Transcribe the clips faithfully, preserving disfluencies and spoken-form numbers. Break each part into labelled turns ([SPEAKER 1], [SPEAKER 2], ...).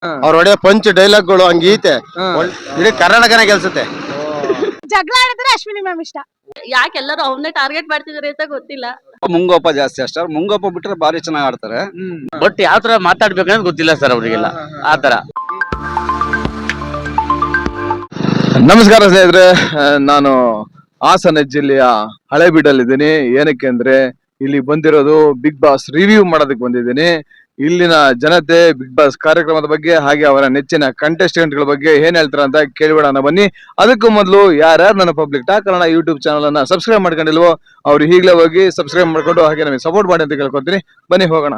[SPEAKER 1] ಅವ್ರ ಹೊಡೆಯೋ ಪಂಚ್ ಡೈಲಾಗ್ಗಳು ಹಂಗೀತೆ ಇಡೀ ಕರ್ನಾಟಕನೇ ಗೆಲ್ಸುತ್ತೆ.
[SPEAKER 2] ಜಗಳ ಆಡಿದ್ರೆ ಅಶ್ವಿನಿ ಮ್ಯಾಮ್ ಇಷ್ಟ.
[SPEAKER 3] ಯಾಕೆ ಎಲ್ಲರೂ ಅವನ್ನೇ ಟಾರ್ಗೆಟ್ ಮಾಡ್ತಿದಾರೆ ಅಂತ ಗೊತ್ತಿಲ್ಲ.
[SPEAKER 4] ಮುಂಗೋಪ ಜಾಸ್ತಿ ಅಷ್ಟೇ, ಮುಂಗೋಪ ಬಿಟ್ರೆ ಬಾರಿ ಚೆನ್ನಾಗಿ ಆಡ್ತಾರೆ.
[SPEAKER 1] ಬಟ್ ಯಾವ ತರ ಮಾತಾಡ್ಬೇಕಂತ ಗೊತ್ತಿಲ್ಲ ಸರ್ ಅವರಿಗೆಲ್ಲ ಆತರ.
[SPEAKER 5] ನಮಸ್ಕಾರ ಸ್ನೇಹಿತರೆ, ನಾನು ಹಾಸನ ಜಿಲ್ಲೆಯ ಹಳೆಬೀಡಲ್ಲಿದ್ದೀನಿ. ಏನಕ್ಕೆ ಅಂದ್ರೆ ಇಲ್ಲಿ ಬಂದಿರೋದು ಬಿಗ್ ಬಾಸ್ ರಿವ್ಯೂ ಮಾಡೋದಕ್ಕೆ ಬಂದಿದ್ದೀನಿ. ಇಲ್ಲಿನ ಜನತೆ ಬಿಗ್ ಬಾಸ್ ಕಾರ್ಯಕ್ರಮದ ಬಗ್ಗೆ ಹಾಗೆ ಅವರ ನೆಚ್ಚಿನ ಕಂಟೆಸ್ಟೆಂಟ್ ಗಳ ಬಗ್ಗೆ ಏನ್ ಹೇಳ್ತಾರೆ ಅಂತ ಕೇಳಿಬಿಡೋಣ ಬನ್ನಿ. ಅದಕ್ಕೂ ಮೊದಲು ಯಾರ್ಯಾರು ನನ್ನ public talk Kannada YouTube channel ಅನ್ನ ಸಬ್ಸ್ಕ್ರೈಬ್ ಮಾಡ್ಕೊಂಡಿಲ್ವೋ ಅವ್ರು ಈಗಲೇ ಹೋಗಿ ಸಬ್ಸ್ಕ್ರೈಬ್ ಮಾಡ್ಕೊಂಡು ಹಾಗೆ ನಮಗೆ ಸಪೋರ್ಟ್ ಮಾಡಿ ಅಂತ ಕೇಳ್ಕೊತೀನಿ. ಬನ್ನಿ ಹೋಗೋಣ.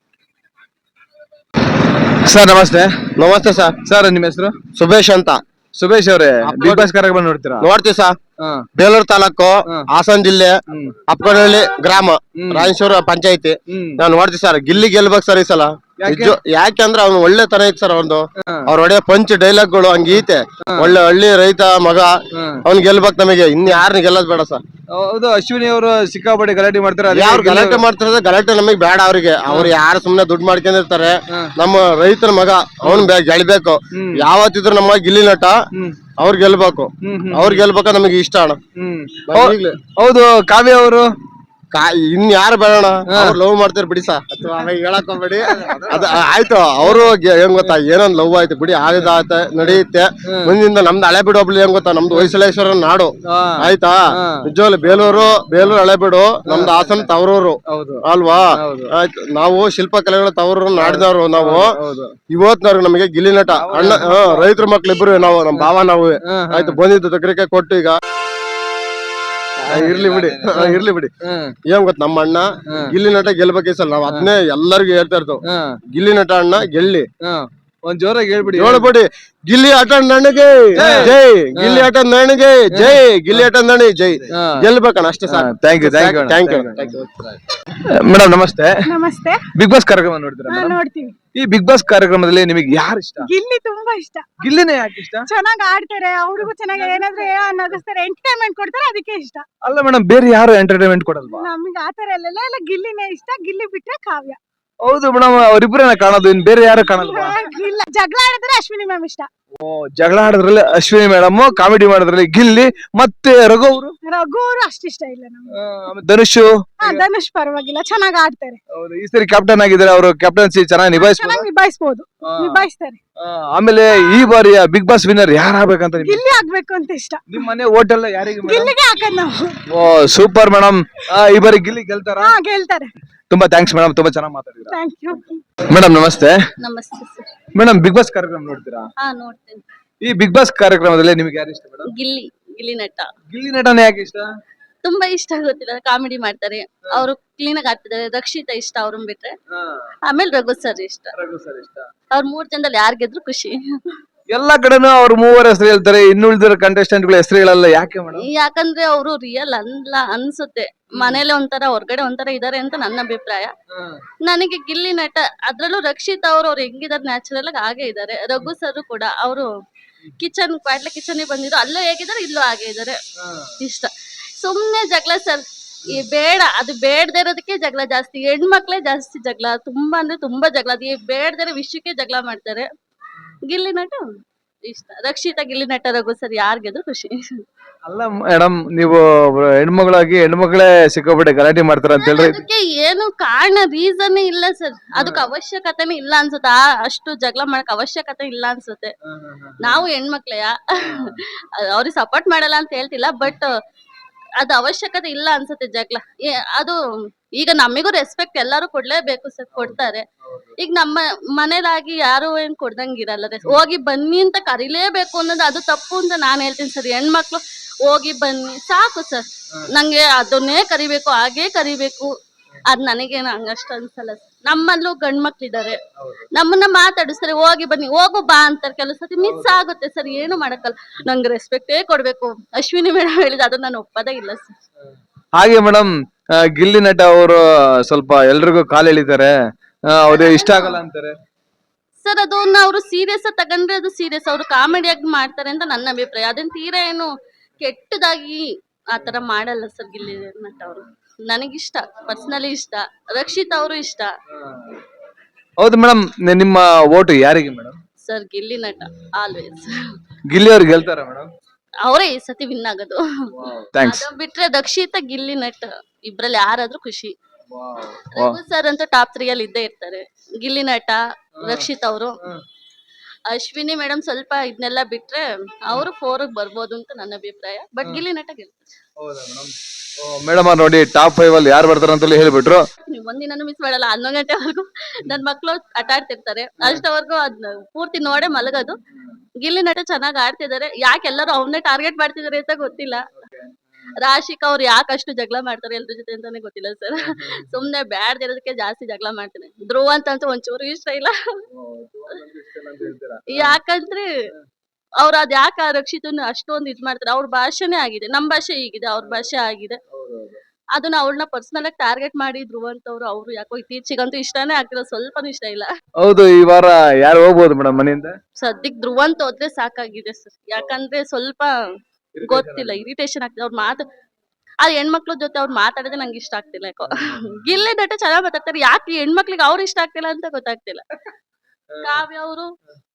[SPEAKER 5] ಸರ್ ನಮಸ್ತೆ.
[SPEAKER 1] ನಮಸ್ತೆ ಸರ್.
[SPEAKER 5] ಸರ್ ನಿಮ್ಮ ಹೆಸರು?
[SPEAKER 1] ಸುಬೇಶ್ ಅಂತ.
[SPEAKER 5] ಸುಬೇಶ್ ಅವರೇ, ಬಿಗ್ ಬಾಸ್ ಕಾರ್ಯಕ್ರಮ ನೋಡ್ತೀರಾ?
[SPEAKER 1] ನೋಡ್ತೀವಿ ಸರ್. ಬೇಲೂರು ತಾಲೂಕು, ಹಾಸನ ಜಿಲ್ಲೆ, ಅಪ್ಪನಹಳ್ಳಿ ಗ್ರಾಮ, ರಾಯಚೂರು ಪಂಚಾಯತಿ. ನಾವ್ ನೋಡ್ತೀವಿ ಸರ್. ಗಿಲ್ಲಿ ಗೆಲ್ಬೇಕು ಸರ್ ಈ ಸಲ. ಯಾಕೆಂದ್ರೆ ಅವ್ನು ಒಳ್ಳೆ ತರ ಐತ್ ಸರ್. ಅವ್ನು ಅವ್ರ ಹೊಡೆಯೋ ಪಂಚ್ ಡೈಲಾಗ್ಗಳು ಹಂಗೀತೆ. ಒಳ್ಳೆ ಹಳ್ಳಿ ರೈತ ಮಗ, ಅವ್ನ್ ಗೆಲ್ಬೇಕು. ನಮಗೆ ಇನ್ ಯಾರನ್ನ ಗೆಲ್ಲದ್ ಬೇಡ ಸರ್.
[SPEAKER 5] ಹೌದು, ಅಶ್ವಿನಿ ಅವರು ಸಿಕ್ಕಾಪಟ್ಟೆ ಗಲಾಟೆ ಮಾಡ್ತಾರೆ.
[SPEAKER 1] ಯಾರು ಗಲಾಟೆ ಮಾಡ್ತಾರೆ? ಗಲಾಟೆ ನಮಗ್ ಬೇಡ. ಅವ್ರಿಗೆ ಅವ್ರು ಯಾರು ಸುಮ್ನೆ ದುಡ್ಡು ಮಾಡ್ಕೊಂಡಿರ್ತಾರೆ. ನಮ್ಮ ರೈತರ ಮಗ ಅವ್ನ್ ಗೆಲ್ಬೇಕು. ಯಾವತ್ತಿದ್ರು ನಮ್ಮ ಗಿಲ್ಲಿ ನಟ ಅವ್ರ ಗೆಲ್ಬೇಕು. ಅವ್ರ ಗೆಲ್ಬೇಕ ನಮಗೆ ಇಷ್ಟ ಅಣ್ಣ.
[SPEAKER 5] ಹೌದು, ಕಾವ್ಯ ಅವರು
[SPEAKER 1] ಇನ್ ಯಾರು ಬೇಡಣ. ಅವ್ರು ಲವ್ ಮಾಡ್ತಾರೆ ಬಿಡಿ ಸಾ. ಹೇಳಕ್ ಹೋಗ್ಬೇಡಿ. ಅದ ಆಯ್ತು, ಅವರು ಹೆಂಗ್ ಗೊತ್ತಾ, ಏನೊಂದ್ ಲವ್ ಆಯ್ತು ಬಿಡಿ, ಆಗದ ಆಯ್ತ ನಡೆಯುತ್ತೆ. ಮುಂದಿಂದ ನಮ್ದು ಹಳೆಬೀಡು ಒಬ್ಳು ಹೆಂಗ್ ಗೊತ್ತಾ, ನಮ್ದು ಹೊಯ್ಸಳೇಶ್ವರ ನಾಡು ಆಯ್ತಾ. ನಿಜವಾಗ್ಲು ಬೇಲೂರು ಬೇಲೂರು ಹಳೆಬೀಡು ನಮ್ದು ಹಾಸನ ತವರೂರು ಅಲ್ವಾ. ಆಯ್ತು, ನಾವು ಶಿಲ್ಪಕಲೆಗಳ ತವರೂರು ನಾಡಿದವ್ರು ನಾವು. ಇವತ್ನವ್ರು ನಮಗೆ ಗಿಲ್ಲಿ ನಟ ಅಣ್ಣ, ರೈತರ ಮಕ್ಳಿಬ್ರು ನಾವು, ನಮ್ ಭಾವ ನಾವು. ಆಯ್ತು, ಬಂದಿದ್ದು ತಗ್ರಿಕೆ ಕೊಟ್ಟು ಈಗ ಇರ್ಲಿ ಬಿಡಿ ಇರ್ಲಿ ಬಿಡಿ ಏನ್ ಗೊತ್ತ, ನಮ್ಮ ಅಣ್ಣ ಗಿಲ್ಲಿ ನಟ ಗೆಲ್ಬೇಕೇ ಸರ್. ನಾವ್ ಅದನ್ನೇ ಎಲ್ಲರಿಗೂ ಹೇಳ್ತಾ ಇರ್ತೇವ್. ಗಿಲ್ಲಿ ನಟ ಅಣ್ಣ ಗೆಲ್ಲಿ.
[SPEAKER 5] ಒಂದ್ ಜೋರಾಗಿ ಹೇಳ್ಬಿಡಿ
[SPEAKER 1] ಹೇಳ್ಬಿಡಿ. ಗಿಲ್ಲಿ ಆಟ ನನಗೆ ಜೈ, ಗಿಲ್ಲಿ ಆಟ ನನಗೆ ಜೈ, ಗಿಲ್ಲಿ ಆಟ ನನಗೆ ಜೈ. ಗೆಲ್ಬೇಕಣ್ಣ ಅಷ್ಟೇ sir.
[SPEAKER 5] Thank you thank you
[SPEAKER 1] thank you
[SPEAKER 5] madam. ನಮಸ್ತೆ.
[SPEAKER 2] ನಮಸ್ತೆ.
[SPEAKER 5] ಬಿಗ್ ಬಾಸ್ ಕಾರ್ಯಕ್ರಮ ನೋಡ್ತೀರಾ?
[SPEAKER 2] ನೋಡ್ತೀವಿ.
[SPEAKER 5] ಈ ಬಿಗ್ ಬಾಸ್ ಕಾರ್ಯಕ್ರಮದಲ್ಲಿ ನಿಮಗೆ ಯಾರು ಇಷ್ಟ?
[SPEAKER 2] ಗಿಲ್ಲಿ ತುಂಬಾ ಇಷ್ಟ.
[SPEAKER 5] ಗಿಲ್ಲಿನೇ ಯಾಕೆ ಇಷ್ಟ?
[SPEAKER 2] ಚೆನ್ನಾಗ್ ಆಡ್ತಾರೆ, ಅವ್ರಿಗೂ ಚೆನ್ನಾಗಿ ಏನಾದ್ರು ನಗಿಸ್ತಾರೆ, ಎಂಟರ್ಟೈನ್ಮೆಂಟ್ ಕೊಡ್ತಾರೆ, ಅದಕ್ಕೆ ಇಷ್ಟ.
[SPEAKER 5] ಅಲ್ಲ ಮೇಡಮ್, ಬೇರೆ ಯಾರು ಎಂಟರ್ಟೈನ್ಮೆಂಟ್ ಕೊಡಲ್ವಾ?
[SPEAKER 2] ನಮ್ಗೆ ಆತರ ಎಲ್ಲ ಎಲ್ಲ ಗಿಲ್ಲಿನೇ ಇಷ್ಟ. ಗಿಲ್ಲಿ ಬಿಟ್ರೆ ಕಾವ್ಯ.
[SPEAKER 5] ಹೌದು ಮೇಡಮ್, ಅವ್ರಿಬ್ರೇನ ಕಾಣೋದು, ಇನ್ ಬೇರೆ ಯಾರು ಕಾಣಲ್ವಾ?
[SPEAKER 2] ಇಲ್ಲ, ಜಗಳ ಆಡಿದ್ರೆ ಅಶ್ವಿನಿ ಮ್ಯಾಮ್ ಇಷ್ಟ.
[SPEAKER 5] ಓ, ಜಗಳ ಆಡೋದ್ರಲ್ಲಿ ಅಶ್ವಿನಿ ಮೇಡಮ್, ಕಾಮಿಡಿ ಮಾಡೋದ್ರಲ್ಲಿ ಗಿಲ್ಲಿ, ಮತ್ತೆ ರಘು ಅವರು.
[SPEAKER 2] ರಘು ಅವರು ಅಷ್ಟಿಷ್ಟ ಇಲ್ಲ ನಮ್ಗೆ.
[SPEAKER 5] ಧನುಷ್
[SPEAKER 2] ಧನುಷ್ ಪರವಾಗಿಲ್ಲ, ಚೆನ್ನಾಗ್ ಆಡ್ತಾರೆ.
[SPEAKER 5] ಹೌದು, ಈ ಸರಿ ಕ್ಯಾಪ್ಟನ್ ಆಗಿದ್ದಾರೆ. ಅವರು ಕ್ಯಾಪ್ಟನ್ಸಿ ಚೆನ್ನಾಗಿ ನಿಭಾಯಿಸ್ಬೋದು,
[SPEAKER 2] ನಿಭಾಯಿಸಬಹುದು, ನಿಭಾಯಿಸ್ತಾರೆ.
[SPEAKER 5] ಆಮೇಲೆ ಈ ಬಾರಿಯ ಬಿಗ್ ಬಾಸ್ ವಿನ್ನರ್ ಯಾರು ಆಗ್ಬೇಕಂತ?
[SPEAKER 2] ಗಿಲ್ಲಿ ಆಗ್ಬೇಕು ಅಂತ ಇಷ್ಟ.
[SPEAKER 5] ನಿಮ್ ಮನೆ ಓಟ್ ಎಲ್ಲ ಯಾರಿಗೆ?
[SPEAKER 2] ಗಿಲ್ಲಿಗೆ ಹಾಕದ್ ನಾವು.
[SPEAKER 5] ಓ ಸೂಪರ್ ಮೇಡಮ್. ಈ ಬಾರಿ ಗಿಲ್ಲಿ ಗೆಲ್ತಾರ?
[SPEAKER 2] ಹಾ, ಗೆಲ್ತಾರೆ.
[SPEAKER 5] ತುಂಬಾ ಥ್ಯಾಂಕ್ಸ್ ಮೇಡಮ್, ತುಂಬಾ ಚೆನ್ನಾಗಿ ಮಾತಾಡಿದ್ರಾ.
[SPEAKER 2] Thank you
[SPEAKER 5] madam. ನಮಸ್ತೆ.
[SPEAKER 3] ನಮಸ್ತೆ ಸರ್.
[SPEAKER 5] ಮೇಡಮ್, ಬಿಗ್ ಬಾಸ್ ಕಾರ್ಯಕ್ರಮ ನೋಡ್ತೀರಾ?
[SPEAKER 3] ಹಾ, ನೋಡ್ತೇನೆ.
[SPEAKER 5] ಈ ಬಿಗ್ ಬಾಸ್ ಕಾರ್ಯಕ್ರಮದಲ್ಲಿ ನಿಮ್ಗೆ ಯಾರು ಇಷ್ಟ ಮೇಡಮ್?
[SPEAKER 3] ಗಿಲ್ಲಿ ಗಿಲ್ಲಿ ನಟ.
[SPEAKER 5] ಗಿಲ್ಲಿ ನಟನೆ ಯಾಕೆ ಇಷ್ಟ?
[SPEAKER 3] ತುಂಬಾ ಇಷ್ಟ, ಗೊತ್ತಿಲ್ಲ, ಕಾಮಿಡಿ ಮಾಡ್ತಾರೆ ಅವರು, ಕ್ಲೀನ್ ಆಗಿ ಆಡ್ತಿದ್ದಾರೆ. ರಕ್ಷಿತಾ ಇಷ್ಟ, ಅವ್ರನ್ನ ಬಿಟ್ರೆ. ಆಮೇಲೆ ರಘು ಸರ್ ಇಷ್ಟ.
[SPEAKER 5] ರಘು ಸರ್ ಇಷ್ಟ.
[SPEAKER 3] ಅವ್ರ ಮೂರ್ ಜನದಲ್ಲಿ ಯಾರ್ ಗೆದ್ರು ಖುಷಿ.
[SPEAKER 5] ಎಲ್ಲಾ ಕಡೆನೂ ಅವ್ರ ಮೂವರ ಹೆಸರು ಹೇಳ್ತಾರೆ, ಇನ್ನುಳಿದಿರೋ ಕಂಟೆಸ್ಟೆಂಟ್ ಗಳ ಹೆಸರು ಹೇಳಲ್ಲ, ಯಾಕೆ ಮೇಡಮ್?
[SPEAKER 3] ಯಾಕಂದ್ರೆ ಅವರು ರಿಯಲ್ ಅಲ್ಲ ಅನ್ಸುತ್ತೆ. ಮನೇಲೆ ಒಂಥರ, ಹೊರಗಡೆ ಒಂಥರ ಇದಾರೆ ಅಂತ ನನ್ನ ಅಭಿಪ್ರಾಯ. ನನಗೆ ಗಿಲ್ಲಿ ನಟ, ಅದ್ರಲ್ಲೂ ರಕ್ಷಿತ್ ಅವ್ರು ಅವ್ರು ಹೆಂಗಿದಾರೆ ನ್ಯಾಚುರಲ್ ಆಗಿ ಹಾಗೆ ಇದಾರೆ. ರಘು ಸರ್ ಕೂಡ ಅವರು ಕಿಚನ್ ಕ್ವಾಟ್ಲೆ ಕಿಚನ್ ಬಂದಿದ್ರು, ಅಲ್ಲೂ ಹೇಗಿದ್ದಾರೆ, ಇಲ್ಲೂ ಹಾಗೆ ಇದಾರೆ. ಇಷ್ಟ. ಸುಮ್ನೆ ಜಗಳ ಸರ್, ಈ ಬೇಡ, ಅದು ಬೇಡದೇ ಇರೋದಕ್ಕೆ ಜಗಳ ಜಾಸ್ತಿ. ಹೆಣ್ಮಕ್ಳೇ ಜಾಸ್ತಿ ಜಗಳ, ತುಂಬಾ ಅಂದ್ರೆ ತುಂಬಾ ಜಗಳ. ಅದು ಬೇಡದೇ ವಿಷಯಕ್ಕೆ ಜಗಳ ಮಾಡ್ತಾರೆ. ಗಿಲ್ಲಿ ನಟ ಇಷ್ಟ. ರಕ್ಷಿತಾ, ಗಿಲ್ಲಿ ನಟ, ರಘು ಸರ್ ಯಾರಿಗೆದ್ರು ಖುಷಿ.
[SPEAKER 5] ಅಲ್ಲ ಮೇಡಮ್, ನೀವು ಹೆಣ್ಮಗಳಾಗಿ ಹೆಣ್ಮಕ್ಳೇ ಸಿಕ್ಕಾಪಟ್ಟೆ ಗಲಾಟೆ ಮಾಡ್ತಾರ ಅಂತ ಹೇಳ್ರಿ.
[SPEAKER 3] ಅದಕ್ಕೆ ಏನು ಕಾರಣ, ರೀಸನ್ ಇಲ್ಲ ಸರ್. ಅದಕ್ಕೆ ಅವಶ್ಯಕತೆನೇ ಇಲ್ಲ ಅನ್ಸುತ್ತೆ. ಅಷ್ಟು ಜಗಳ ಮಾಡಕ್ ಅವಶ್ಯಕತೆ ಇಲ್ಲ ಅನ್ಸುತ್ತೆ. ನಾವು ಹೆಣ್ಮಕ್ಳೆಯ ಅವ್ರಿಗೆ ಸಪೋರ್ಟ್ ಮಾಡಲ್ಲ ಅಂತ ಹೇಳ್ತಿಲ್ಲ, ಬಟ್ ಅದು ಅವಶ್ಯಕತೆ ಇಲ್ಲ ಅನ್ಸುತ್ತೆ ಜಗಳ. ಅದು ಈಗ ನಮಿಗೂ ರೆಸ್ಪೆಕ್ಟ್ ಎಲ್ಲಾರು ಕೊಡ್ಲೇಬೇಕು ಸರ್, ಕೊಡ್ತಾರೆ. ಈಗ ನಮ್ಮ ಮನೇಲಾಗಿ ಯಾರು ಏನ್ ಕೊಡ್ದಂಗಿರಲ್ಲ. ಹೋಗಿ ಬನ್ನಿ ಅಂತ ಕರಿಲೇಬೇಕು ಅನ್ನೋದು ಅದು ತಪ್ಪು ಅಂತ ನಾನ್ ಹೇಳ್ತೀನಿ ಸರ್. ಹೆಣ್ಮಕ್ಳು ಹೋಗಿ ಬನ್ನಿ ಸಾಕು ಸರ್. ನಂಗೆ ಅದನ್ನೇ ಕರಿಬೇಕು, ಹಾಗೇ ಕರಿಬೇಕು, ಅದ್ ನನಗೇನು ಹಂಗಷ್ಟು ಅನ್ಸಲ್ಲ ಸರ್. ನಮ್ಮಲ್ಲೂ ಗಂಡ್ ಮಕ್ಳಿದಾರೆ, ನಮ್ಮನ್ನ ಮಾತಾಡಿಸ್ತಾರೆ, ಹೋಗಿ ಬನ್ನಿ, ಹೋಗು ಬಾ ಅಂತಾರೆ. ಕೆಲವು ಸತಿ ಮಿಸ್ ಆಗುತ್ತೆ ಸರ್, ಏನು ಮಾಡಕ್ಕಲ್ಲ. ನಂಗೆ ರೆಸ್ಪೆಕ್ಟೇ ಕೊಡ್ಬೇಕು. ಅಶ್ವಿನಿ ಮೇಡಮ್ ಹೇಳಿದ ಅದು ನಾನು ಒಪ್ಪದೇ ಇಲ್ಲ ಸರ್.
[SPEAKER 5] ಹಾಗೆ ಮೇಡಮ್, ಗಿಲ್ಲಿ ನಟ ಅವರು ಸ್ವಲ್ಪ ಎಲ್ರಿಗೂ ಕಾಲ್ ಎಳಿತಾರೆ, ಅವ್ರಿಗೆ ಇಷ್ಟ ಆಗಲ್ಲ ಅಂತಾರೆ
[SPEAKER 3] ಸರ್. ಅದನ್ನ ಅವರು ಸೀರಿಯಸ್ ತಗೊಂಡ್ರೆ ಅದು ಸೀರಿಯಸ್, ಅವರು ಕಾಮಿಡಿಯಾಗಿ ಮಾಡ್ತಾರೆ ಅಂತ ನನ್ನ ಅಭಿಪ್ರಾಯ. ಅದನ್ನ ತೀರಾ ಏನು ಕೆಟ್ಟದಾಗಿ ಆತರ ಮಾಡಲ್ಲ ಸರ್ ಗಿಲ್ಲಿ ನಟ ಅವರು. ನನಗಿಷ್ಟ, ಪರ್ಸನಲಿ ಇಷ್ಟ. ರಕ್ಷಿತ್ ಅವರು ಇಷ್ಟ.
[SPEAKER 5] ಹೌದು ಮೇಡಮ್, ನಿಮ್ಮ ಓಟು ಯಾರಿಗೆ ಮೇಡಮ್?
[SPEAKER 3] ಸರ್ ಗಿಲ್ಲಿ ನಟ ಆಲ್ವೇಸ್.
[SPEAKER 5] ಗಿಲ್ಲಿ ಅವ್ರು ಗೆಲ್ತಾರ ಮೇಡಮ್?
[SPEAKER 3] ಅವರೇ ಈ ಸತಿ ವಿನ್ ಆಗೋದು.
[SPEAKER 5] ಥ್ಯಾಂಕ್ಸ್.
[SPEAKER 3] ಅದು ಬಿಟ್ರೆ ದಕ್ಷಿತ ಗಿಲ್ಲಿ ನಟ್ ಇಬ್ರಲ್ಲಿ ಯಾರಾದ್ರೂ ಖುಷಿ. ರಘು ಸರ್ ಅಂತೂ ಟಾಪ್ ತ್ರೀ ಅಲ್ಲಿ ಇದ್ದೇ ಇರ್ತಾರೆ. ಗಿಲ್ಲಿ ನಟ, ರಕ್ಷಿತ್ ಅವರು, ಅಶ್ವಿನಿ ಮೇಡಮ್ ಸ್ವಲ್ಪ ಇದನ್ನೆಲ್ಲ ಬಿಟ್ರೆ ಅವರು ಫೋರ್ ಬರ್ಬೋದು ಅಂತ ನನ್ನ ಅಭಿಪ್ರಾಯ. ಬಟ್ ಗಿಲ್ಲಿ ನಟ ಗೆಲ್ತಾರೆ.
[SPEAKER 5] ಮೇಡಮ್ ಅವ್ರು ನೋಡಿ ಟಾಪ್ ಫೈವ್ ಅಲ್ಲಿ ಯಾರು ಬರ್ತಾರ ಅಂತ ಹೇಳ್ಬಿಟ್ರು.
[SPEAKER 3] ನೀವು ಒಂದಿನೂ ಮಿಸ್ ಮಾಡಲ್ಲ. ಹನ್ನೊಂದು ಗಂಟೆವರೆಗೂ ನನ್ ಮಕ್ಳು ಆಟ ಆಡ್ತಿರ್ತಾರೆ. ಅಷ್ಟವರೆಗೂ ಅದ್ನ ಪೂರ್ತಿ ನೋಡೇ ಮಲಗೋದು. ಗಿಲ್ಲಿ ನಟ ಚೆನ್ನಾಗ್ ಆಡ್ತಿದ್ದಾರೆ. ಯಾಕೆ ಎಲ್ಲರೂ ಅವನ್ನೇ ಟಾರ್ಗೆಟ್ ಮಾಡ್ತಿದಾರೆ ಅಂತ ಗೊತ್ತಿಲ್ಲ. ರಾಶಿಕ್ ಅವ್ರು ಯಾಕೆ ಅಷ್ಟು ಜಗಳ ಮಾಡ್ತಾರೆ ಎಲ್ರ ಜೊತೆ ಅಂತಾನೆ ಗೊತ್ತಿಲ್ಲ ಸರ್. ಸುಮ್ನೆ ಬ್ಯಾಡ್ ಇರೋದಕ್ಕೆ ಜಾಸ್ತಿ ಜಗಳ ಮಾಡ್ತಾರೆ. ಧ್ರುವ ಅಂತಂತೂ ಒಂಚೂರು ಇಷ್ಟ ಇಲ್ಲ. ಯಾಕಂದ್ರೆ ಅವ್ರ ಅದ್ ಯಾಕೆ ರಕ್ಷಿತನ ಅಷ್ಟೊಂದು ಇದ್ ಮಾಡ್ತಾರೆ. ಅವ್ರ ಭಾಷೆನೇ ಆಗಿದೆ, ನಮ್ ಭಾಷೆ ಹೀಗಿದೆ, ಅವ್ರ ಭಾಷೆ ಆಗಿದೆ. ಅದನ್ನ ಅವ್ಳನ್ನ ಪರ್ಸನಲ್ ಆಗಿ ಟಾರ್ಗೆಟ್ ಮಾಡಿ ಧ್ರುವ ಅಂತವ್ರು ಅವ್ರು ಯಾಕೋ ಇತ್ತೀಚೆಗಂತೂ ಇಷ್ಟಾನೇ ಆಗ್ತಿರೋ, ಸ್ವಲ್ಪನೂ ಇಷ್ಟ ಇಲ್ಲ.
[SPEAKER 5] ಹೌದು, ಈ ವಾರ ಯಾರು ಹೋಗ್ಬೋದು ಮೇಡಮ್ ಮನೆಯಿಂದ?
[SPEAKER 3] ಸದ್ಯಕ್ ಧ್ರುವ ಅಂತ ಹೋದ್ರೆ ಸಾಕಾಗಿದೆ ಸರ್. ಯಾಕಂದ್ರೆ ಸ್ವಲ್ಪ ಗೊತ್ತಿಲ್ಲ, ಇರಿಟೇಷನ್ ಆಗ್ತದೆ ಅವ್ರ ಮಾತು. ಆ ಹೆಣ್ಮಕ್ಳ ಜೊತೆ ಅವ್ರು ಮಾತಾಡೋದೇ ನಂಗೆ ಇಷ್ಟ ಆಗ್ತಿಲ್ಲ ಯಾಕೋ. ಗಿಲ್ಲಿ ನಟ ಚೆನ್ನಾಗ್ ಮಾತಾಡ್ತಾರೆ. ಯಾಕೆ ಹೆಣ್ಮಕ್ಳಿಗೆ ಅವ್ರು ಇಷ್ಟ ಆಗ್ತಿಲ್ಲ ಅಂತ ಗೊತ್ತಾಗ್ತಿಲ್ಲ. ಕಾವ್ಯ ಅವರು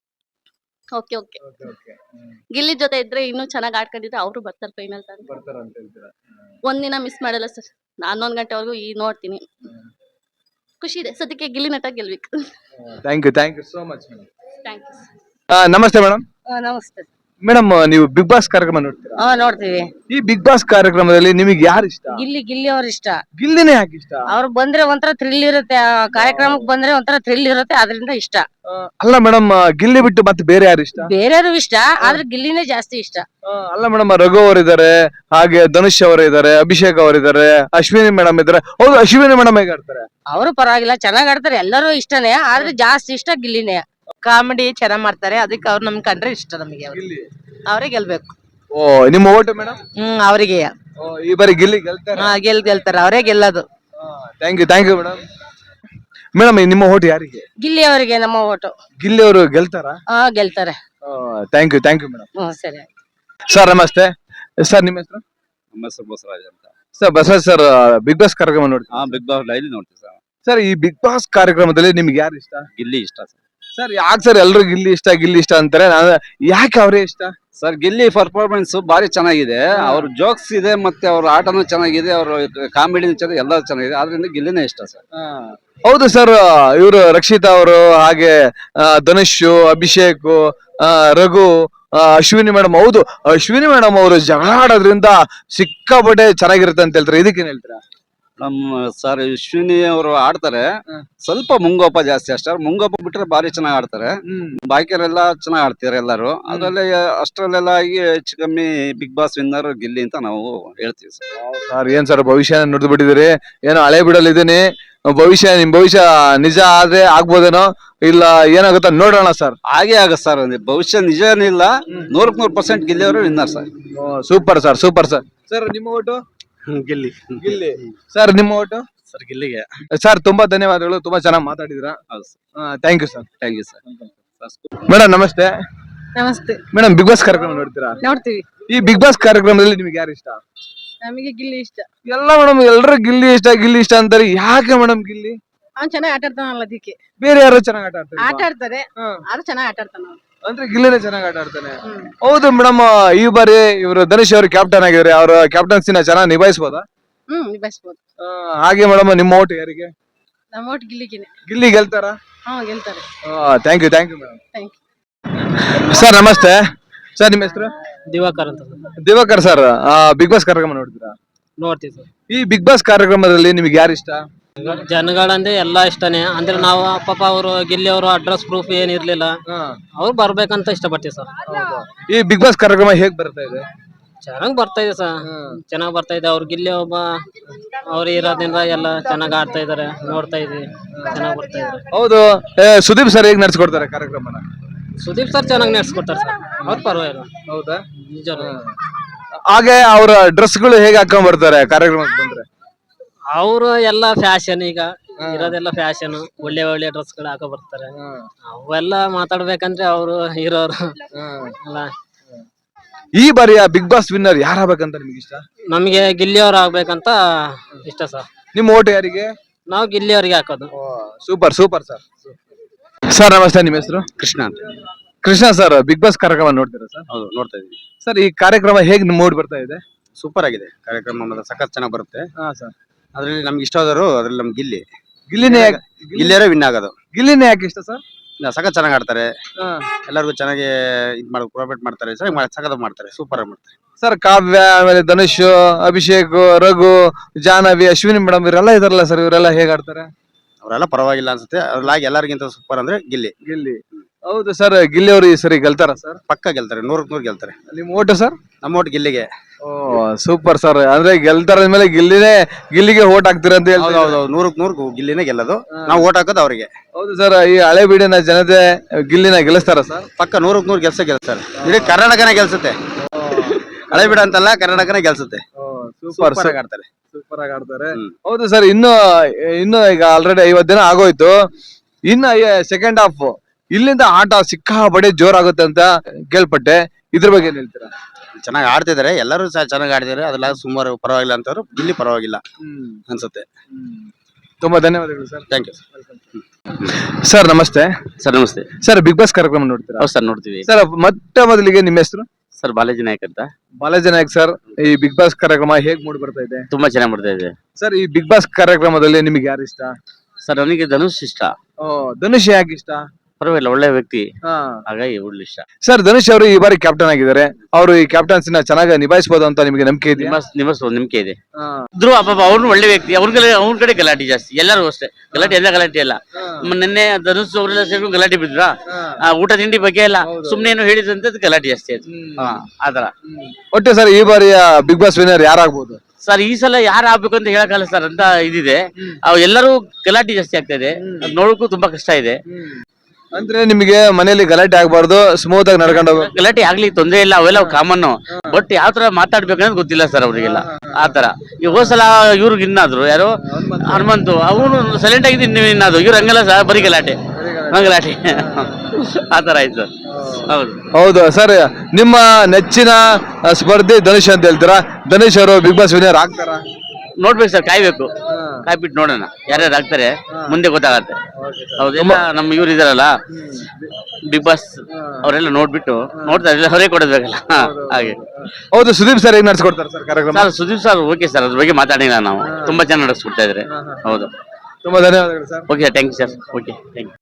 [SPEAKER 3] ಓಕೆ ಓಕೆ ಗಿಲ್ಲಿ ಜೊತೆ ಇದ್ರೆ ಇನ್ನೂ ಚೆನ್ನಾಗ್ ಆಡ್ಕೊಂಡಿದ್ರೆ ಅವರು ಬರ್ತಾರೆ ಫೈನಲ್ ತನಕ. ಒಂದಿನ ಮಿಸ್ ಮಾಡಲ್ಲ ಸರ್. ಹನ್ನೊಂದು ಗಂಟೆವರೆಗೂ ಈ ನೋಡ್ತೀನಿ. ಖುಷಿ ಇದೆ ಸದ್ಯಕ್ಕೆ ಗಿಲ್ಲಿ ನಟ ಗೆಲ್ಬೇಕು.
[SPEAKER 5] Thank you thank you so much madam.
[SPEAKER 3] Thank you.
[SPEAKER 5] ನಮಸ್ತೆ ಮೇಡಮ್.
[SPEAKER 2] ನಮಸ್ತೆ.
[SPEAKER 5] ಮೇಡಮ್ ನೀವು ಬಿಗ್ ಬಾಸ್ ಕಾರ್ಯಕ್ರಮ ನೋಡ್ತೀರಾ?
[SPEAKER 2] ಹಾ ನೋಡ್ತೀವಿ.
[SPEAKER 5] ಈ ಬಿಗ್ ಬಾಸ್ ಕಾರ್ಯಕ್ರಮದಲ್ಲಿ ನಿಮಗೆ ಯಾರು ಇಷ್ಟ?
[SPEAKER 2] ಗಿಲ್ಲಿ ಗಿಲ್ಲಿ ಅವ್ರ ಇಷ್ಟ.
[SPEAKER 5] ಗಿಲ್ಲಿನೇ ಯಾಕೆ ಇಷ್ಟ?
[SPEAKER 2] ಅವ್ರು ಬಂದ್ರೆ ಒಂಥರ ಥ್ರಿಲ್ ಇರುತ್ತೆ. ಆ ಕಾರ್ಯಕ್ರಮಕ್ಕೆ ಬಂದ್ರೆ ಒಂಥರ ಥ್ರಿಲ್ ಇರುತ್ತೆ, ಅದರಿಂದ ಇಷ್ಟ.
[SPEAKER 5] ಆ, ಅಲ್ಲ ಮೇಡಮ್, ಗಿಲ್ಲಿ ಬಿಟ್ಟು ಮತ್ತೆ ಬೇರೆ ಯಾರು ಇಷ್ಟ?
[SPEAKER 2] ಬೇರೆಯವರು ಇಷ್ಟ, ಆದ್ರೆ ಗಿಲ್ಲಿನೇ ಜಾಸ್ತಿ ಇಷ್ಟ.
[SPEAKER 5] ಆ, ಅಲ್ಲ ಮೇಡಮ್, ರಘು ಅವರಿದ್ದಾರೆ, ಹಾಗೆ ಧನುಷ್ ಅವರಿದ್ದಾರೆ, ಅಭಿಷೇಕ್ ಅವರಿದ್ದಾರೆ, ಅಶ್ವಿನಿ ಮೇಡಮ್ ಇದ್ದಾರೆ. ಹೌದು, ಅಶ್ವಿನಿ ಮೇಡಮ್ ಹೇಗೆ ಆಡ್ತಾರೆ?
[SPEAKER 2] ಅವರು ಪರವಾಗಿಲ್ಲ, ಚೆನ್ನಾಗ್ ಆಡ್ತಾರೆ. ಎಲ್ಲರೂ ಇಷ್ಟನೇ, ಆದ್ರೆ ಜಾಸ್ತಿ ಇಷ್ಟ ಗಿಲ್ಲಿನೇ. ಕಾಮಿಡಿ ಚೆನ್ನಾಗ್ ಮಾಡ್ತಾರೆ, ಅದಕ್ಕೆ ಅವ್ರು ನಮ್ ಕಂಡ್ರೆ ಇಷ್ಟ ನಮಗೆ.
[SPEAKER 5] ಗಿಲ್ಲಿ
[SPEAKER 2] ಅವರೇ ಗೆಲ್ಬೇಕು.
[SPEAKER 5] ಓ, ನಿಮ್ಮ ಓಟು ಮೇಡಮ್?
[SPEAKER 2] ಹ್ಮ್ ಅವರಿಗೆ
[SPEAKER 5] ಈ ಬಾರಿ ಗಿಲ್ಲಿ ಗೆಲ್ತಾರೆ?
[SPEAKER 2] ಗೆಲ್ ಗೆಲ್ತಾರೆ, ಅವರೇ ಗೆಲ್ಲೋದು.
[SPEAKER 5] Thank you thank you madam. Madam ನಿಮ್ಮ ಓಟು ಯಾರಿಗೆ?
[SPEAKER 2] ಗಿಲ್ಲಿ ಅವರಿಗೆ ನಮ್ಮ ಓಟು.
[SPEAKER 5] ಗಿಲ್ಲಿ ಅವರು ಗೆಲ್ತಾರಾ?
[SPEAKER 2] ಹಾ ಗೆಲ್ತಾರೆ.
[SPEAKER 5] Thank you thank you madam.
[SPEAKER 2] ಹ್ಮ್ ಸರಿ.
[SPEAKER 5] ಸರ್ ನಮಸ್ತೆ. ಸರ್ ನಿಮ್ಮ ಹೆಸರು?
[SPEAKER 4] ನಮ್ಮ ಹೆಸರು ಬಸವರಾಜ್ ಅಂತ.
[SPEAKER 5] Sir Basavaraj sir, big boss ಕಾರ್ಯಕ್ರಮ ನೋಡ್ತೀವಿ.
[SPEAKER 4] ಹಾ, ಬಿಗ್ ಬಾಸ್ ಡೈಲಿ ನೋಡ್ತೀವಿ ಸರ್.
[SPEAKER 5] ಸರ್ ಈ ಬಿಗ್ ಬಾಸ್ ಕಾರ್ಯಕ್ರಮದಲ್ಲಿ ನಿಮ್ಗೆ ಯಾರು ಇಷ್ಟ?
[SPEAKER 4] ಗಿಲ್ಲಿ ಇಷ್ಟ ಸರ್.
[SPEAKER 5] ಸರ್ ಯಾಕೆ ಸರ್ ಎಲ್ರು ಗಿಲ್ಲಿ ಇಷ್ಟ ಗಿಲ್ಲಿ ಇಷ್ಟ ಅಂತಾರೆ? ನಾನು ಯಾಕೆ ಅವರೇ ಇಷ್ಟ?
[SPEAKER 4] ಸರ್ ಗಿಲ್ಲಿ ಪರ್ಫಾರ್ಮೆನ್ಸ್ ಬಾರಿ ಚೆನ್ನಾಗಿದೆ. ಅವ್ರ ಜೋಕ್ಸ್ ಇದೆ, ಮತ್ತೆ ಅವ್ರ ಆಟನೂ ಚೆನ್ನಾಗಿದೆ, ಅವ್ರ ಕಾಮಿಡಿನೂ ಚೆನ್ನಾಗಿ, ಎಲ್ಲ ಚೆನ್ನಾಗಿದೆ. ಆದ್ರಿಂದ ಗಿಲ್ಲಿನೇ ಇಷ್ಟ ಸರ್.
[SPEAKER 5] ಹೌದು ಸರ್, ಇವರು ರಕ್ಷಿತಾ ಅವರು, ಹಾಗೆ ಆ, ಧನುಷ್, ಅಭಿಷೇಕ್, ಆ, ರಘು, ಆ, ಅಶ್ವಿನಿ ಮೇಡಮ್. ಹೌದು, ಅಶ್ವಿನಿ ಮೇಡಮ್ ಅವರು ಜಗಳ ಆಡೋದ್ರಿಂದ ಸಿಕ್ಕಾಪಟ್ಟೆ ಚೆನ್ನಾಗಿರುತ್ತೆ ಅಂತ ಹೇಳ್ತಾರೆ. ಇದಕ್ಕೇನ್ ಹೇಳ್ತೀರಾ?
[SPEAKER 4] ನಮ್ಮ ಸರ್ ಅಶ್ವಿನಿ ಅವರು ಆಡ್ತಾರೆ, ಸ್ವಲ್ಪ ಮುಂಗೋಪ ಜಾಸ್ತಿ ಅಷ್ಟೇ. ಮುಂಗೋಪ ಬಿಟ್ರೆ ಬಾರಿ ಚೆನ್ನಾಗಿ ಆಡ್ತಾರೆ. ಬಾಕಿಯವರೆಲ್ಲ ಚೆನ್ನಾಗಿ ಆಡ್ತಾರೆ ಎಲ್ಲರೂ. ಅದ್ರಲ್ಲಿ ಅಷ್ಟರಲ್ಲೆಲ್ಲ ಆಗಿ ಹೆಚ್ಚು ಕಮ್ಮಿ ಬಿಗ್ ಬಾಸ್ ವಿನ್ನರ್ ಗಿಲ್ಲಿ ಅಂತ ನಾವು ಹೇಳ್ತೀವಿ ಸರ್.
[SPEAKER 5] ಸರ್ ಏನ್ ಸರ್ ಭವಿಷ್ಯ ನುಡಿದು ಬಿಟ್ಟಿದ್ದೀರಿ? ಏನೋ ಹಳೆ ಬಿಡಲಿದ್ದೀನಿ. ಭವಿಷ್ಯ ನಿಮ್ ಭವಿಷ್ಯ ನಿಜ ಆದ್ರೆ ಆಗ್ಬೋದೇನೋ, ಇಲ್ಲ ಏನಾಗುತ್ತ ನೋಡೋಣ ಸರ್.
[SPEAKER 4] ಹಾಗೆ ಆಗತ್ತೆ ಸರ್. ಭವಿಷ್ಯ ನಿಜ ಏನಿಲ್ಲ, ನೂರಕ್ ನೂರ್ ಪರ್ಸೆಂಟ್ ಗಿಲ್ಲಿ ಅವರು winner sir.
[SPEAKER 5] Super sir, super sir. Sir ನಿಮ್ಮ ಓಟು?
[SPEAKER 4] ಗಿಲ್ಲಿ.
[SPEAKER 5] ಗಿಲ್ಲಿ. ಸರ್ ನಿಮ್ಮ ಓಟು?
[SPEAKER 4] ಸರ್ ಗಿಲ್ಲಿಗೆ.
[SPEAKER 5] ಸರ್ ತುಂಬಾ ಧನ್ಯವಾದಗಳು, ತುಂಬಾ ಚೆನ್ನಾಗಿ ಮಾತಾಡಿದ್ರ.
[SPEAKER 4] ಹೌದು sir.
[SPEAKER 5] Thank you sir.
[SPEAKER 4] Thank you sir.
[SPEAKER 5] Madam ನಮಸ್ತೆ.
[SPEAKER 2] ನಮಸ್ತೆ.
[SPEAKER 5] ಮೇಡಮ್ ಬಿಗ್ ಬಾಸ್ ಕಾರ್ಯಕ್ರಮ ನೋಡ್ತೀರಾ?
[SPEAKER 2] ನೋಡ್ತೀವಿ.
[SPEAKER 5] ಈ ಬಿಗ್ ಬಾಸ್ ಕಾರ್ಯಕ್ರಮದಲ್ಲಿ ನಿಮ್ಗೆ ಯಾರು ಇಷ್ಟ?
[SPEAKER 2] ನಮಗೆ ಗಿಲ್ಲಿ ಇಷ್ಟ.
[SPEAKER 5] ಎಲ್ಲ ಮೇಡಮ್ ಎಲ್ರು ಗಿಲ್ಲಿ ಇಷ್ಟ ಗಿಲ್ಲಿ ಇಷ್ಟ ಅಂತಾರೆ. ಯಾಕೆ ಮೇಡಮ್ ಗಿಲ್ಲಿ?
[SPEAKER 2] ಅವ್ನು ಚೆನ್ನಾಗಿ ಆಟ ಆಡ್ತಾನಲ್ಲ, ಅದಕ್ಕೆ.
[SPEAKER 5] ಬೇರೆ ಯಾರು ಚೆನ್ನಾಗಿ ಆಟ ಆಡ್ತಾರೆ?
[SPEAKER 2] ಆಟ ಆಡ್ತಾರೆ, ಆದ್ರೂ ಚೆನ್ನಾಗಿ ಆಟ ಆಡ್ತಾನ ಅವ್ನು.
[SPEAKER 5] ಅಂದ್ರೆ ಗಿಲ್ಲಿನೇ ಚೆನ್ನಾಗಿ ಆಟ ಆಡ್ತಾನೆ. ಹೌದು ಮೇಡಮ್, ಈ ಬಾರಿ ಇವರು ಧನುಷ್ ಅವರು ಕ್ಯಾಪ್ಟನ್ ಆಗಿದ್ದಾರೆ. ಅವರ ಕ್ಯಾಪ್ಟನ್ಸಿನ ಚೆನ್ನಾಗಿ ನಿಭಾಯಿಸಬಹುದಾ?
[SPEAKER 2] ಹ್ಮ್ ನಿಭಾಯಿಸ್ಬೋದು.
[SPEAKER 5] ಹಾಗೆ ಮೇಡಮ್ ನಿಮ್ಮ ಓಟ್ ಯಾರಿಗೆ?
[SPEAKER 2] ನಮ್ಮ ಒಟ್ಟು ಗಿಲ್ಲಿಗೆನೆ.
[SPEAKER 5] ಗಿಲ್ಲಿ ಗೆಲ್ತಾರಾ?
[SPEAKER 2] ಹಾ ಗೆಲ್ತಾರೆ.
[SPEAKER 5] Thank you thank you madam.
[SPEAKER 2] Thank you.
[SPEAKER 5] Sir ನಮಸ್ತೆ. ಸರ್ ನಿಮ್ಮ ಹೆಸರು?
[SPEAKER 6] ದಿವಾಕರ್ ಅಂತ
[SPEAKER 5] ದಿವಾಕರ್ ಸರ್, ಬಿಗ್ ಬಾಸ್ ಕಾರ್ಯಕ್ರಮ ನೋಡ್ತೀರಾ?
[SPEAKER 6] ನೋಡ್ತೀವಿ ಸರ್.
[SPEAKER 5] ಈ ಬಿಗ್ ಬಾಸ್ ಕಾರ್ಯಕ್ರಮದಲ್ಲಿ ನಿಮ್ಗೆ ಯಾರು ಇಷ್ಟ?
[SPEAKER 6] ಜನಗಳಂದ್ರೆ ಎಲ್ಲಾ ಇಷ್ಟನೇ. ಅಂದ್ರೆ ನಾವು ಪಾಪ ಅವರು ಗಿಲ್ಲಿ ಅವರು ಅಡ್ರೆಸ್ ಪ್ರೂಫ್ ಏನಿರ್ಲಿಲ್ಲ, ಅವ್ರು ಬರ್ಬೇಕಂತ ಇಷ್ಟಪಡ್ತೀವಿ ಸರ್.
[SPEAKER 5] ಈ ಬಿಗ್ ಬಾಸ್ ಕಾರ್ಯಕ್ರಮ ಹೇಗ್ ಬರ್ತಾ ಇದೆ?
[SPEAKER 6] ಚೆನ್ನಾಗ್ ಬರ್ತಾ ಇದೆ ಸರ್, ಚೆನ್ನಾಗ್ ಬರ್ತಾ ಇದೆ. ಅವ್ರು ಗಿಲ್ಲಿ ಒಬ್ಬ ಅವ್ರು ಇರೋದ್ರಿಂದ ಎಲ್ಲ ಚೆನ್ನಾಗ್ ಆಡ್ತಾ ಇದಾರೆ, ನೋಡ್ತಾ ಇದೀವಿ, ಚೆನ್ನಾಗ್ ಬರ್ತಾ ಇದಾರೆ.
[SPEAKER 5] ಹೌದು, ಏ, ಸುದೀಪ್ ಸರ್ ಹೇಗ್ ನಡ್ಸ್ಕೊಡ್ತಾರೆ ಕಾರ್ಯಕ್ರಮನ?
[SPEAKER 6] ಸುದೀಪ್ ಸರ್ ಚೆನ್ನಾಗಿ ನಡೆಸ್ಕೊಡ್ತಾರೆ ಸರ್, ಅವ್ರು ಪರವಾಗಿಲ್ಲ.
[SPEAKER 5] ಹೌದಾ?
[SPEAKER 6] ನಿಜ.
[SPEAKER 5] ಹಾಗೆ ಅವರ ಡ್ರೆಸ್ಗಳು ಹೇಗೆ ಹಾಕೊಂಡ್ ಬರ್ತಾರೆ ಕಾರ್ಯಕ್ರಮಕ್ಕೆ ಬಂದ್ರೆ?
[SPEAKER 6] ಅವರು ಎಲ್ಲ ಫ್ಯಾಷನ್, ಈಗ ಇರೋದೆಲ್ಲ ಫ್ಯಾಷನ್, ಒಳ್ಳೆ ಒಳ್ಳೆ ಡ್ರೆಸ್ ಗಳು ಹಾಕೋ ಬರ್ತಾರೆ. ಅವೆಲ್ಲ ಮಾತಾಡ್ಬೇಕಂದ್ರೆ ಅವರು ಹೀರೋರು ಅಲ್ಲ.
[SPEAKER 5] ಈ ಬಾರಿಯ ಬಿಗ್ ಬಾಸ್ ವಿನ್ನರ್ ಯಾರಾಗಬೇಕಂತ ನಿಮ್ಗೆ ಇಷ್ಟ?
[SPEAKER 6] ನಮಗೆ ಗಿಲ್ಲಿ ಅವ್ರು ಆಗ್ಬೇಕಂತ ಇಷ್ಟ ಸರ್.
[SPEAKER 5] ನಿಮ್ಮ ಓಟ್ ಯಾರಿಗೆ?
[SPEAKER 6] ನಾವು ಗಿಲ್ಲಿ ಅವ್ರಿಗೆ ಹಾಕೋದು.
[SPEAKER 5] Super super sir. ಸರ್ ನಮಸ್ತೆ, ನಿಮ್ಮ ಹೆಸರು?
[SPEAKER 4] ಕೃಷ್ಣ ಅಂತ.
[SPEAKER 5] ಕೃಷ್ಣ ಸರ್ ಬಿಗ್ ಬಾಸ್ ಕಾರ್ಯಕ್ರಮ ನೋಡ್ತೀರಾ ಸರ್?
[SPEAKER 7] ಹೌದು ನೋಡ್ತಾ ಇದೀವಿ.
[SPEAKER 5] ಸರ್ ಈ ಕಾರ್ಯಕ್ರಮ ಹೇಗ್ ಮೂಡ್ ಬರ್ತಾ ಇದೆ?
[SPEAKER 7] ಸೂಪರ್ ಆಗಿದೆ ಕಾರ್ಯಕ್ರಮ, ಮಾತ್ರ ಸಖತ್ ಚೆನ್ನಾಗಿ ಬರುತ್ತೆ.
[SPEAKER 5] ಹಾ ಸರ್.
[SPEAKER 7] ಅದ್ರಲ್ಲಿ ನಮ್ಗೆ ಇಷ್ಟವಾದರು ಅದ್ರಲ್ಲಿ ನಮ್ ಗಿಲ್ಲಿ
[SPEAKER 5] ಗಿಲ್ಲಿನೇ ಯಾಕ್-
[SPEAKER 7] ಗಿಲ್ಲಿಯರೇ ವಿನ್ ಆಗೋದು.
[SPEAKER 5] ಗಿಲ್ಲಿನೇ ಯಾಕೆ ಇಷ್ಟ ಸರ್?
[SPEAKER 7] ನಾ- ಸಖತ್ ಚೆನ್ನಾಗಿ ಆಡ್ತಾರೆ, ಎಲ್ಲರಿಗೂ ಚೆನ್ನಾಗಿ ಇದ್ ಮಾಡಿ ಕೋಆಪರೇಟ್ ಮಾಡ್ತಾರೆ, ಚೆನ್ನಾಗಿ ಮಾಡಿ ಸಖತ್ ಮಾಡ್ತಾರೆ, ಸೂಪರ್ ಆಗಿ ಮಾಡ್ತಾರೆ.
[SPEAKER 5] ಸರ್ ಕಾವ್ಯ, ಆಮೇಲೆ ಧನುಷ್, ಅಭಿಷೇಕ್, ರಘು, ಜಾಹ್ನವಿ, ಅಶ್ವಿನಿ ಮೇಡಮ್ ಇವರೆಲ್ಲ ಇದಾರಲ್ಲ ಸರ್, ಇವರೆಲ್ಲ ಹೇಗ್ ಆಡ್ತಾರೆ?
[SPEAKER 7] ಅವರೆಲ್ಲ ಪರವಾಗಿಲ್ಲ ಅನ್ಸುತ್ತೆ. ಅದ್ರಲ್ಲಾಗಿ ಎಲ್ಲರಿಗಿಂತ ಸೂಪರ್ ಅಂದ್ರೆ ಗಿಲ್ಲಿ.
[SPEAKER 5] ಗಿಲ್ಲಿ. ಹೌದು ಸರ್, ಗಿಲ್ಲಿ ಅವರು ಈ ಸರಿ ಗೆಲ್ತಾರ ಸರ್?
[SPEAKER 7] ಪಕ್ಕ ಗೆಲ್ತಾರೆ, ನೂರಕ್ ನೂರ್ ಗೆಲ್ತಾರೆ.
[SPEAKER 5] ನಿಮ್ ಓಟು ಸರ್?
[SPEAKER 7] ನಮ್ಮ ಒಟ್ಟು ಗಿಲ್ಲಿಗೆ.
[SPEAKER 5] ಓ ಸೂಪರ್ ಸರ್, ಅಂದ್ರೆ ಗೆಲ್ತಾರ ಮೇಲೆ ಗಿಲ್ಲಿನೇ ಗಿಲ್ಲಿಗೆ ಓಟ್ ಹಾಕ್ತೀರ ಅಂತ
[SPEAKER 7] ಹೌದು
[SPEAKER 5] ಹೇಳ್ತಾರೆ.
[SPEAKER 7] ಹೌದು ನೂರಕ್ ನೂರ್ ಗಿಲ್ಲಿನೇ ಗೆಲ್ಲೋದು, ನಾವು ಓಟ್ ಹಾಕೋದು ಅವ್ರಿಗೆ.
[SPEAKER 5] ಹೌದು ಸರ್, ಈ ಹಳೆ ಬೀಡಿನ ಜನತೆ ಗಿಲ್ಲಿನ ಗೆಲ್ಲಿಸ್ತಾರ ಸರ್?
[SPEAKER 7] ಪಕ್ಕ ನೂರಕ್ ನೂರ್ ಗೆಲ್ಸ ಗೆಲ್ತಾರೆ. ಇಡೀ ಕರ್ನಾಟಕನೇ ಗೆಲ್ಸುತ್ತೆ, ಹಳೆ ಬಿಡ ಅಂತಲ್ಲ, ಕರ್ನಾಟಕನೇ ಗೆಲ್ಸುತ್ತೆ.
[SPEAKER 5] ಸೂಪರ್
[SPEAKER 7] ಸೂಪರ್ ಆಗಿ ಆಡ್ತಾರೆ.
[SPEAKER 5] ಸೂಪರ್ ಆಗಿ ಆಡ್ತಾರೆ.
[SPEAKER 7] ಹ್ಮ್.
[SPEAKER 5] ಹೌದು ಸರ್, ಇನ್ನು ಇನ್ನು ಈಗ ಆಲ್ರೆಡಿ ಐವತ್ ದಿನ ಆಗೋಯ್ತು, ಇನ್ನ ಸೆಕೆಂಡ್ ಹಾಫ್ ಇಲ್ಲಿಂದ ಆಟ ಸಿಕ್ಕಾಬಡೆ ಜೋರಾಗುತ್ತೆ ಅಂತ ಕೇಳ್ಪಟ್ಟೆ, ಇದ್ರ ಬಗ್ಗೆ ಏನ್ ಹೇಳ್ತೀರಾ?
[SPEAKER 7] ಚೆನ್ನಾಗಿ ಆಡ್ತಿದ್ದಾರೆ, ಎಲ್ಲರೂ ಸಹ ಚೆನ್ನಾಗಿ ಆಡ್ತಿದ್ದಾರೆ. ಅದೆಲ್ಲ ಸುಮಾರು ಪರವಾಗಿಲ್ಲ ಅಂತವ್ರು, ಇಲ್ಲಿ ಪರವಾಗಿಲ್ಲ ಅನ್ಸುತ್ತೆ.
[SPEAKER 5] ತುಂಬಾ ಧನ್ಯವಾದಗಳು ಸರ್.
[SPEAKER 7] Thank you.
[SPEAKER 5] ಸರ್ ನಮಸ್ತೆ.
[SPEAKER 8] ಸರ್ ನಮಸ್ತೆ.
[SPEAKER 5] ಸರ್ ಬಿಗ್ ಬಾಸ್ ಕಾರ್ಯಕ್ರಮ ನೋಡ್ತೀರಾ?
[SPEAKER 8] ಹೌದು ಸರ್ ನೋಡ್ತೀವಿ.
[SPEAKER 5] ಸರ್ ಮೊಟ್ಟ ಮೊದಲಿಗೆ ನಿಮ್ಮ ಹೆಸರು?
[SPEAKER 8] ಸರ್ ಬಾಲಾಜಿ ನಾಯಕ್ ಅಂತ.
[SPEAKER 5] ಬಾಲಾಜಿ ನಾಯಕ್ ಸರ್, ಈ ಬಿಗ್ ಬಾಸ್ ಕಾರ್ಯಕ್ರಮ ಹೇಗ್ ಮೂಡ್ ಬರ್ತಾ ಇದೆ?
[SPEAKER 8] ತುಂಬಾ ಚೆನ್ನಾಗಿ ಮಾಡ್ತಾ ಇದೆ
[SPEAKER 5] ಸರ್. ಈ ಬಿಗ್ ಬಾಸ್ ಕಾರ್ಯಕ್ರಮದಲ್ಲಿ ನಿಮ್ಗೆ ಯಾರು ಇಷ್ಟ?
[SPEAKER 8] ಸರ್. ನನಗೆ ಧನುಷ್ ಇಷ್ಟ.
[SPEAKER 5] ಓ, ಧನುಷ್ ಯಾಕೆ ಇಷ್ಟ?
[SPEAKER 8] ಪರವಾಗಿಲ್ಲ, ಒಳ್ಳೆ ವ್ಯಕ್ತಿ,
[SPEAKER 5] ಹಾ.
[SPEAKER 8] ಹಾಗಾಗಿ ಒಳ್ಳೆ ಇಷ್ಟ.
[SPEAKER 5] ಸರ್ ಧನುಷ್ ಅವರು ಈ ಬಾರಿ ಕ್ಯಾಪ್ಟನ್ ಆಗಿದ್ದಾರೆ, ಅವರು ಈ ಕ್ಯಾಪ್ಟನ್ಸಿನ ಚೆನ್ನಾಗಿ ನಿಭಾಯಿಸಬಹುದು ಅಂತ ನಿಮಗೆ ನಂಬಿಕೆ ಇದೆಯಾ?
[SPEAKER 8] ನಿಮ್ಮ ನಿಮ್ಮ ನಂಬಿಕೆ ಇದೆ. ಇದ್ರು ಪಾಪ ಅವ್ನು ಒಳ್ಳೆ ವ್ಯಕ್ತಿ, ಅವ್ರ ಕಡೆ ಅವ್ನ ಕಡೆ ಗಲಾಟೆ ಜಾಸ್ತಿ, ಎಲ್ಲರೂ ಅಷ್ಟೇ ಗಲಾಟೆ, ಎಲ್ಲ ಗಲಾಟೆ ಎಲ್ಲ. ನಿನ್ನೆ ಧನುಷ್ ಅವರೆಲ್ಲ ಸೇರ್ಕೊಂಡು ಗಲಾಟೆ ಬಿದ್ರ, ಊಟ ತಿಂಡಿ ಬಗ್ಗೆ ಎಲ್ಲ ಸುಮ್ನೆ ಏನೋ ಹೇಳಿದ್ರಂತ ಗಲಾಟೆ ಜಾಸ್ತಿ ಆಯ್ತು. ಹಾ, ಆತರ.
[SPEAKER 5] ಒಟ್ಟೆ ಸರ್ ಈ ಬಾರಿಯ ಬಿಗ್ ಬಾಸ್ ವಿನ್ನರ್ ಯಾರಾಗ್ಬೋದು?
[SPEAKER 8] ಸರ್ ಈ ಸಲ ಯಾರು ಆಗ್ಬೇಕು ಅಂತ ಹೇಳಕ್ಕಾಗಲ್ಲ ಸರ್, ಅಂತ ಇದಿದೆ. ಅವ್ ಎಲ್ಲರೂ ಗಲಾಟೆ ಜಾಸ್ತಿ ಆಗ್ತಾ ಇದೆ, ಅದ್ ನೋಡಕ್ಕೂ ತುಂಬಾ ಕಷ್ಟ ಇದೆ.
[SPEAKER 5] ಅಂದ್ರೆ ನಿಮಗೆ ಮನೆಯಲ್ಲಿ ಗಲಾಟೆ ಆಗ್ಬಾರ್ದು, ಸ್ಮೂತ್ ಆಗಿ ನಡ್ಕೊಂಡು ಹೋಗ್ಬೇಕು.
[SPEAKER 8] ಗಲಾಟೆ ಆಗ್ಲಿ ತೊಂದ್ರೆ ಇಲ್ಲ, ಅವೆಲ್ಲ ಕಾಮನ್. ಬಟ್ ಯಾವ ತರ ಮಾತಾಡ್ಬೇಕನ್ನೋದು ಗೊತ್ತಿಲ್ಲ ಸರ್ ಅವರಿಗೆಲ್ಲ, ಆತರ. ಈ ಹೋದ್ ಸಲ ಇವ್ರಿಗೆ ಇನ್ನಾದ್ರು ಯಾರು ಹನುಮಂತು, ಅವನು ಸೈಲೆಂಟ್ ಆಗಿದ್ದು ಇನ್ನು ಇನ್ನಾದ್ರು, ಇವ್ರು ಹಂಗಲ್ಲ ಸರ್, ಬರೀ ಗಲಾಟೆ ಗಲಾಟೆ ಆತರ ಆಯ್ತು ಸರ್. ಹೌದು
[SPEAKER 5] ಹೌದು ಸರ್, ನಿಮ್ಮ ನೆಚ್ಚಿನ ಸ್ಪರ್ಧಿ ಧನುಷ್ ಅಂತ ಹೇಳ್ತೀರಾ, ಧನುಷ್ ಅವರು ಬಿಗ್ ಬಾಸ್ ವಿನ್ನರ್ ಆಗ್ತಾರಾ?
[SPEAKER 8] ನೋಡ್ಬೇಕು ಸರ್, ಕಾಯ್ಬೇಕು, ಕಾಯ್ಬಿಟ್ಟು ನೋಡೋಣ ಯಾರ್ಯಾರು ಆಗ್ತಾರೆ, ಮುಂದೆ ಗೊತ್ತಾಗತ್ತೆ. ಹೌದೆಲ್ಲ ನಮ್ಮ ಇವ್ರು ಇದಾರಲ್ಲ ಬಿಗ್ ಬಾಸ್, ಅವರೆಲ್ಲ ನೋಡ್ಬಿಟ್ಟು ನೋಡ್ತಾರೆ, ಹೊರೆ ಕೊಡಬೇಕಲ್ಲ, ಹಾಗೆ.
[SPEAKER 5] ಹೌದು, ಸುದೀಪ್ ಸರ್ ಹೇಗ್ ನಡ್ಸ್ಕೊಡ್ತಾರೆ ಸರ್ ಕಾರ್ಯಕ್ರಮ?
[SPEAKER 8] Sir Sudeep sir okay sir, ಅದ್ರ ಬಗ್ಗೆ ಮಾತಾಡಿಲ್ಲ ನಾವು, ತುಂಬಾ ಚೆನ್ನಾಗಿ ನಡೆಸ್ಕೊಡ್ತಾ ಇದ್ರೆ. ಹೌದು,
[SPEAKER 5] ತುಂಬಾ ಧನ್ಯವಾದಗಳು sir.
[SPEAKER 8] Okay thank you sir. Okay thank you.